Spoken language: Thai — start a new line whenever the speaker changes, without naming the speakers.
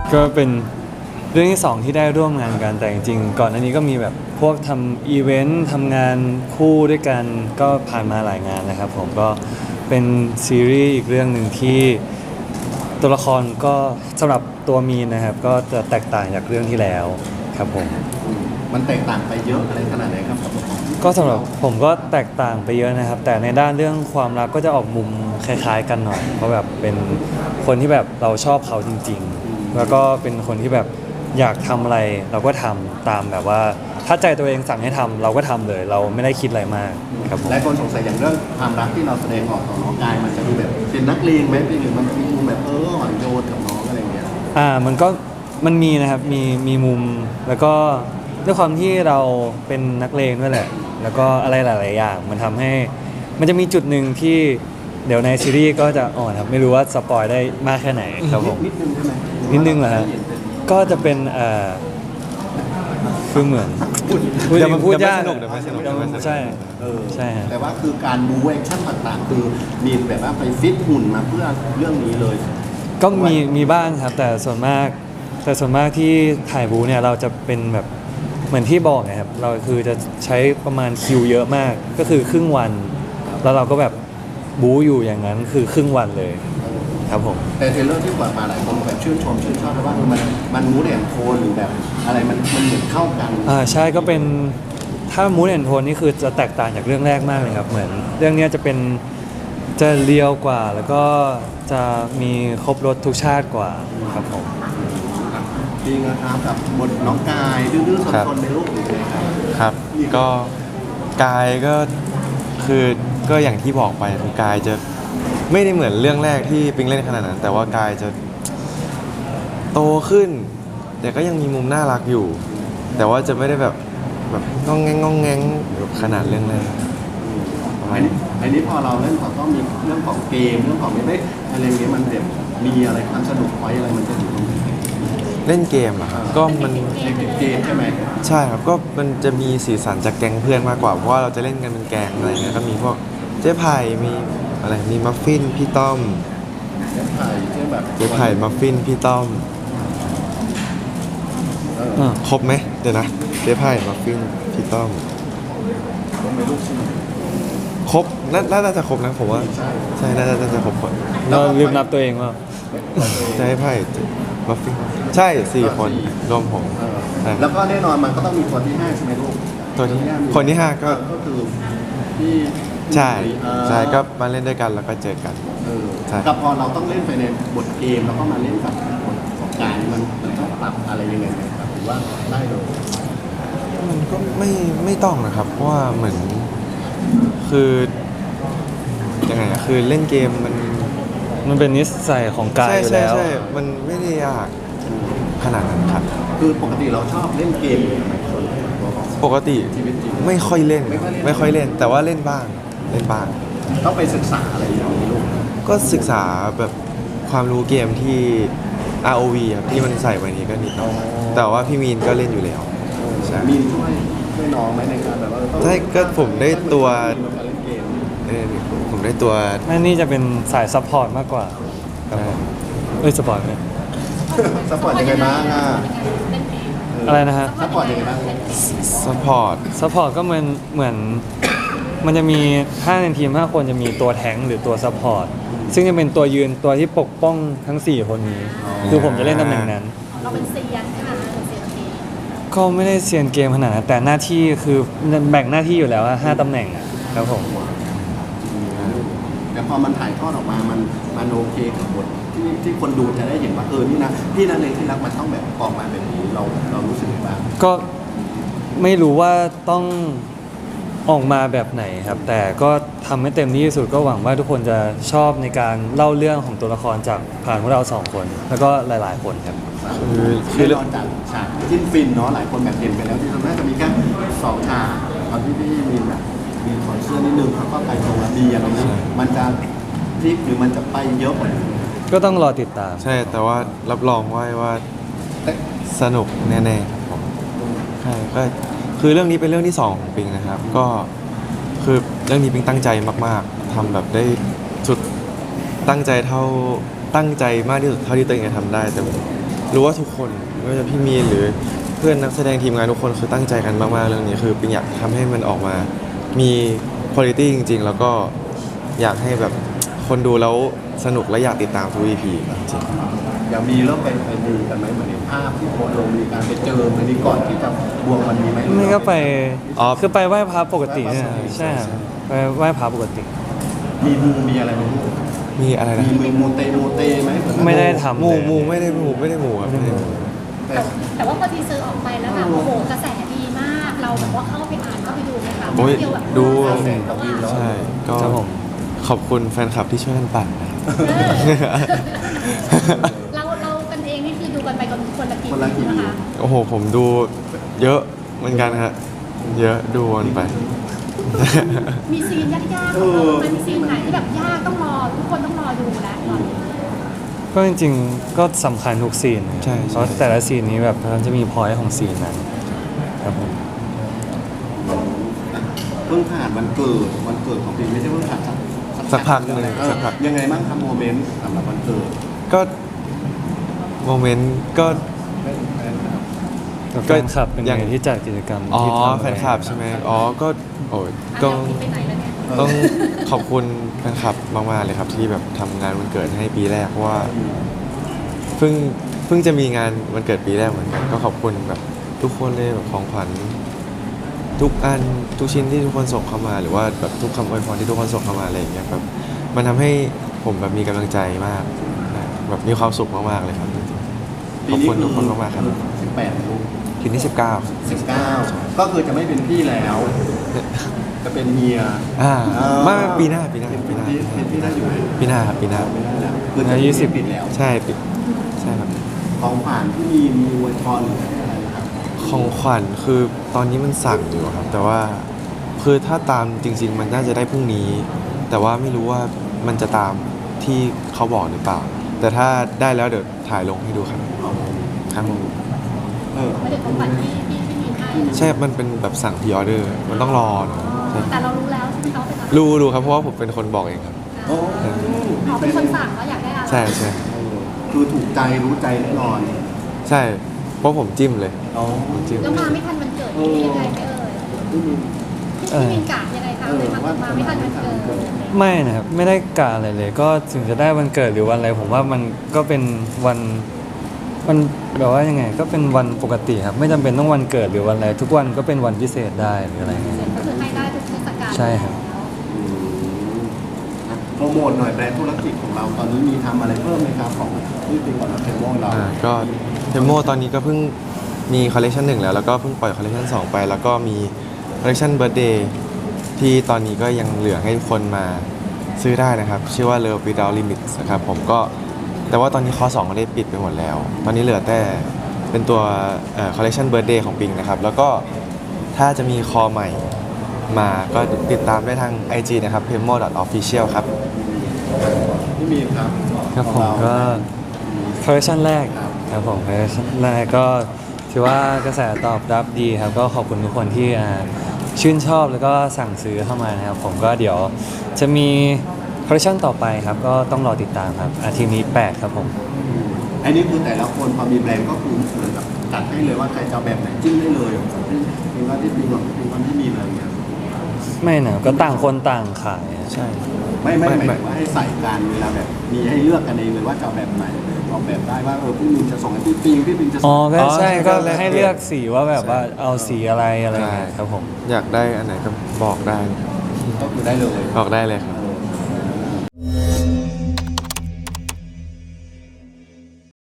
ก็เป็นเรื่องที่สองที่ได้ร่วมงานกันแต่จริงๆก่อนอันนี้ก็มีแบบพวกทำอีเวนต์ทำงานคู่ด้วยกันก็ผ่านมาหลายงานนะครับผมก็เป็นซีรีส์อีกเรื่องหนึ่งที่ตัวละครก็สำหรับตัวมีนนะครับก็จะแตกต่างจากเรื่องที่แล้วครับผม
มันแตกต่างไปเยอะอะไรขนาดไหนครับกับของ
ก็สำหรับผมก็แตกต่างไปเยอะนะครับ แต่ในด้านเรื่องความรักก็จะออกมุมคล้ายๆกันหน่อยเพราะแบบเป็นคนที่แบบเราชอบเขาจริงๆแล้วก็เป็นคนที่แบบอยากทำอะไรเราก็ทำตามแบบว่าถ้าใจตัวเองสั่งให้ทำเราก็ทำเลย เราไม่ได้คิดอะไรมากครับผม
หลายคนสงสัยอย่างเรื่องความรักที่เราแสดงออกต่อน้องกายมันจะดูแบบเป็นนักเลงไหมหรือมันจะมีมุมแบบอ่อนโยนกับน้องอะไรอย่างเงี้ย
มันมีนะครับมีมุมแล้วก็ด้วยความที่เราเป็นนักเลงด้วยแหละแล้วก็อะไรหลายๆอย่างมันทำให้มันจะมีจุดหนึ่งที่เดี๋ยวในซีรีส์ก็จะอ่อนครับไม่รู้ว่าสปอยได้มากแค่ไหนครับผม
นิดนึงใช่ไหม
นิดนึงเหรอฮะก็จะเป็นคือเหมือนพูดยาก
เดี๋ยวไม่สนุก
ใช่
เออ
ใช่ฮะ
แต่ว่าคือการบูแอคชั่นต่างๆคือมีแบบว่าไปฟิตหุ่นมาเพื่อเรื่องนี้เลย
ก็มีบ้างครับแต่ส่วนมากที่ถ่ายบูเนี่ยเราจะเป็นแบบเหมือนที่บอกนะครับเราคือจะใช้ประมาณคิวเยอะมากก็คือครึ่งวันแล้วเราก็แบบบูอยู่อย่างนั้นคือครึ่งวันเลยครับผม
แต่เทรลเลอร์ที่ปล่อยมาหลายคนแบบชื่นชอบเพราะว่ามันมูดแอนโทนหรือแบบอะไรมันเหมือนเข้ากัน
ใช่ก็เป็นถ้ามูดแอนโทนนี่คือจะแตกต่างจากเรื่องแรกมากเลยครับเหมือนเรื่องนี้จะเรียวกว่าแล้วก็จะมีครบรสทุกชาติกว่าครับผม
จริงนะครับกับบทน้องกายดื้อๆซนๆในรูปหรือไงครับ
ครับก็กายก็คือก็อย่างที่บอกไปคือกายจะไม่ได้เหมือนเรื่องแรกที่ปิงเล่นขนาดนั้น แต่ว่ากายจะโตขึ้น แต่ก็ยังมีมุมน่ารักอยู่ แต่ว่าจะไม่ได้แบบงองแงงแบบขนาดเรื่องแรกประมาณนี้
อันนี้พอเราเล่นก็มีเรื่องของเกมเรื่องของไม่ได้อะไรเงี้ยมันแบบมีอะไรความสนุกไว้อะไรมันจะอยู่ตรงนี้
เล่นเกมเหรอครับก็มัน
ในเกมใช่ไหม
ใช่ครับก็มันจะมีสีสันจากแก๊งเพื่อนมากกว่าเพราะว่าเราจะเล่นกันเป็นแก๊งอะไรเงี้ยก็มีพวกเจ๊ไผ่มีอะไรมีมัฟฟินพี่ต้อม
เจ๊ไผ่เจ๊แบบ
เจ๊ไผ่มัฟฟินพี่ต้อม ครบไหมเดี๋ยวนะเจ๊ไผ่มัฟฟินพี่ต้อม
ผมไม่รู้ใช่ไหม
ครบน่าจะครบนะผมว่าใช่น่าจะครบคน
เราลืมนับตัวเองว่า
เจ๊ไผ่มัฟฟินใช่4 คนรวมผมใช่
แล้วก็แน่นอนมันก็ต้องมีตัวที่5ใช่ไหมลูก
ตัวที่คนที่ 5 ก็
ก็คือที่
ใช่ก็มาเล่นด้วยกันแล้วก็เจอกัน ใช่
กับพอเราต้องเล่นไปในบทเกมแล้วก็มาเล่นกับบทของการมันต้องปรับอะไรยังไงไหมครับหรือว่าได้เลย
มันก็ไม่ต้องนะครับ เพราะว่าเหมือนคือยังไงอะคือเล่นเกม
มันเป็นนิสัยของกายอยู่แล้ว
ใช่มันไม่ได้ยากขนาดนั้นครับ
คือปกติเราชอบเล่นเกมอยู่ไหมส่วนตัวของ
ปกติ
ชีวิตจริง
ไม่ค่อยเล่น
ไม่ค่อยเล่น
แต่ว่าเล่นบ้าง
ต้องไปศึกษาอะไรอย่างนี้ลูก
ก็ศึกษาแบบความรู้เกมที่ ROV ครับที่มันใส่ไว้นี้ก็นิดหน่อยแต่ว่าพี่มีนก็เล่นอยู่แล้วใช่
มีนช่วยน้องไหมในการแบบว่าต้อง
ใช่ก็ผมได้ตัว
ในการเล่นเกม
ผมได้ตัว
นี่จะเป็นสายซัพพอร์ตมากกว่าครับผมสปอร์ตไหม
ซัพพอร์ตยังไงบ้างอ่ะ
อะไรนะฮะ
ซัพพอร์ตยังไงบ้าง
ซัพพอร์ต
ซัพพอร์ตก็เหมือนมันจะมีถ้าในทีม5 คนจะมีตัวแทงค์หรือตัวซัพพอร์ตซึ่งจะเป็นตัวยืนตัวที่ปกป้องทั้ง 4 คนนี้คือผมจะเล่นตำแหน่งนั้น
เราเป็นเซียนใช่ไหมเป็นเซียนเกม
ก็ไม่ได้เซียนเกมขนาดนั้นแต่หน้าที่คือแบ่งหน้าที่อยู่แล้วอะ5 ตำแหน่งอะครับผม
แต่พอมันถ่ายทอดออกมามันโอเคกับบทที่คนดูจะได้เห็นว่านี่นะพี่นันเองที่รักมันต้องแบบออกมาแบบนี้เรารู้สึกยังไงบ้าง
ก็ไม่รู้ว่าต้องออกมาแบบไหนครับ แต่ก็ทำให้เต็มที่ที่สุดก็หวังว่าทุกคนจะชอบในการเล่าเรื่องของตัวละครจากผ่านพวกเรา2 คน แล้วก็หลายๆ คนครับ
คือแน่นอนจากฉากจิ้นฟินเนาะหลายคนแบบเห็นไปแล้วที่น่าจะมีแค่2 ฉากตอนที่พี่มีแบบมีถอดเสื้อนิดนึงแล้วก็ไปตรงละดีอะไรนี้มันจะพลิกหรือมันจะไปเยอะกว่านี้
ก็ต้องรอติดตาม
ใช่แต่ว่ารับรองไว้ว่าสนุกแน่ๆครับผมใช่ก็คือเรื่องนี้เป็นเรื่องที่2ของปิงนะครับ ก็คือเรื่องนี้ปิงตั้งใจมากๆทำแบบได้สุดตั้งใจมากที่สุดเท่าที่ตัวเองจะทำได้แต่รู้ว่าทุกคนไม่ว่าจะพี่มีนหรือเพื่อนนักแสดงทีมงานทุกคนคือตั้งใจกันมากๆเรื่องนี้คือปิงอยากทำให้มันออกมามีคุณภาพจริงๆแล้วก็อยากให้แบบคนดูแล้วสนุกและอยากติดตามทุก EP จริง
อย่างมีเริ่มไปดูกันไหมเหมือนในภาพที่โพสต์ลงมีการไปเจอมันนี้ก่อนที่จะบวงมันมีไหม
ไม่ก็ไป
อ๋อ
คือไปไหว้พระปกติเนี่ยใช่ครับไปไหว้พระปกติ
มีมูมีอะไรไหม
มีอะไรนะ
มีมูเตไหม
ไม่ได้ทำ
หมู่
เลย
หมู่ไม่ได้หมู่ครับไม่ได้หมู่
แต่
แต่ว่าพอทีเซอร์ออกไปแล้วแบบโอ้โหกระแสดีมาก เราแบบว่าเข้าไปอ่านเข้าไปดูไหมคะ
โอ้ย
เดียวแบบ
ดู
แสงกับวินแล้ว
ใช่ก็
ครับผม
ขอบคุณแฟนคลับที่ช่วยกันปั่นนะครับ
เรากันเองนี่คือดูกันไปคนละกี่
คนละกี่
นะคะ
โอ้โหผมดูเยอะเหมือนกันฮะเยอะดูวนไป
มีซีนยากๆของเราไหมมีซีนไหนที่แบบยากต้องรอทุกคนต้องรอดูแล้วตอนนี้
ก็จริงๆก็สำคัญทุกซีน
ใช่
เพราะแต่ละซีนนี้แบบมันจะมีพอยต์ของซีนนั้นครับผม
เพิ่งผ่านวันเกิดของปีไม่ใช่เพิ่งผ่าน
สักพักหนึ่ง
เออ
สักพัก
ยังไงบ้างครับโมเมนต์สำหรับวันเกิด
ก็โมเมนต์ก็
กับแฟนคลับเป็น
อย่าง
ไงที่จัดกิจกรรม
อ๋อ
ที่ทำ
แฟนคลับใช่ไหมอ๋อก็โอ้ย
ก็
ก็
ไปไหนแล้วเนี่ย
ต้องขอบคุณแฟนคลับมากๆเลยครับที่แบบทำงานวันเกิดให้ปีแรกเพราะว่าเพิ่งจะมีงานวันเกิดปีแรกเหมือนกันก็ขอบคุณแบบทุกคนเลยแบบของขวัญทุกอันทุกชิ้นที่ทุกคนส่งเข้ามา หรือว่าแบบทุกคำอวยพรที่ทุกคนส่งเข้ามาอะไรอย่างเงี้ยแบบมันทำให้ผมแบบมีกำลังใจมากแบบมีความสุขมากๆเลยครับขอบคุณทุกคนมากๆครับ
18ลูก
ปีที่19
19ก็คือจะไม่เป็นพี่แล้ว จะเป็นเฮีย
ไม่ปีหน้า
เป็นพี่ได้อยู่ไหม
ปีหน้าครับปีหน้า
ไม่ได้แล้วคือจะ20ปิดแล้ว
ใช่ปิดใช่ครับ
ของผ่านที่มีอวยพรหรืออะไรนะครับ
ของขวัญคือตอนนี้มันสั่งอยู่ครับ แต่ว่าคือถ้าตามจริง ๆ มันน่าจะได้พรุ่งนี้ แต่ว่าไม่รู้ว่ามันจะตามที่เขาบอกหรือเปล่า แต่ถ้าได้แล้วเดี๋ยวถ่ายลงให้ดูครับครับผม
ไม่ได้ของขวัญที่มีให้
ใช่มันเป็นแบบสั่งพรีออเดอร์มันต้องรอเนอะใช่
แต่เรารู้แล้วใช่ไหมเขาเป็นอะไร
รู้ครับเพราะว่าผมเป็นคนบอกเองครับ
โอ้
เขาเป็นคนสั่งว่าอยากได้อะไร
ใช่ใช่
คือถูกใจรู้ใจแน่นอน
ใช่เพราะผมจิ้มเลย
อ๋อ
ผมจิ้ม
แล้วมาไม่ทันวันเกิดนี่ยังไงไม่เอ่ยพี่มินกะยังไงคะเลยมาไม่ทันวันเกิด
ไม่นะครับไม่ได้กะอะไรเลย ก็ถึงจะได้วันเกิดหรือวันอะไรผมว่ามันก็เป็นวันแบบว่ายังไง ก็เป็นวันปกติครับไม่จำเป็นต้องวันเกิดหรือวันอะไรทุกวันก็เป็นวันพิเศษได้หรืออะไรเงี้ย
ก็คือให้ได้ทุกเทศกาล
ใช่ครับ
โปรโมทหน่อยแบรนด์ธุรกิจของเราตอนนี้มีทำอะไรเพิ่มไหมครับของที่เป็นก่อนเราเทมโมเรา
ก็เทมโมตอนนี้ก็เพิ่งมีคอลเลคชัน1แล้วก็เพิ่งปล่อยคอลเลคชัน2ไป แล้วก็มีคอลเลคชันเบิร์ d เดย์ที่ตอนนี้ก็ยังเหลือให้ทุกคนมาซื้อได้นะครับ ชื่อว่า Love Without Limits นะครับผมก็แต่ว่าตอนนี้คอ2ก็ได้ปิดไปหมดแล้ว ตอนนี้เหลือแต่เป็นตัวคอลเลคชันเบิร์ d เดย์ของปิงนะครับ แล้วก็ถ้าจะมีคอใหม่มาก็ติดตามได้ทาง IG นะครับ pemo.official ครับ
พี่มีนครับ
ครับผมก็คอลเลคชันแรกครับผมคอลเลคชันแรกก็ถือว่ากระแสตอบรับดีครับก็ขอบคุณทุกคนที่ชื่นชอบแล้วก็สั่งซื้อเข้ามานะครับผมก็เดี๋ยวจะมีคอลเลคชันต่อไปครับก็ต้องรอติดตามครับอาทิตย์นี้8ครับผม
อันนี้คือแต่ละคนพอมีแบรนด์ก็คือเหมือนกับจัดให้เลยว่าใครจะเอาแบบไหนจิ้มได้เลยมีว่าที่มีหวังมีวันที่มีอะไรอย่างเงี้ย
ไม่นะก็ต่างคนต่างขายอะ
ใช่
ไม่หมายถึงว่าให้ใส่กันเวลาแบบมีให้เลือกกันเองเลยว่าจะเอาแบบไหนออกแบบได้ว่าพี่มินจะส่งให้พี่ปิงพี่ปิงจะส่
อ๋อง ก็ใช่
อ๋อ
ก็
ก็แลก
ให้เลือกสีว่าแบบว่าเอาสีอะไรอะไรเงี้ยครับผม
อยากได้อันไหนก็บอกได้
ก็คือได้เลย
บอกได้เลยครับ
เออ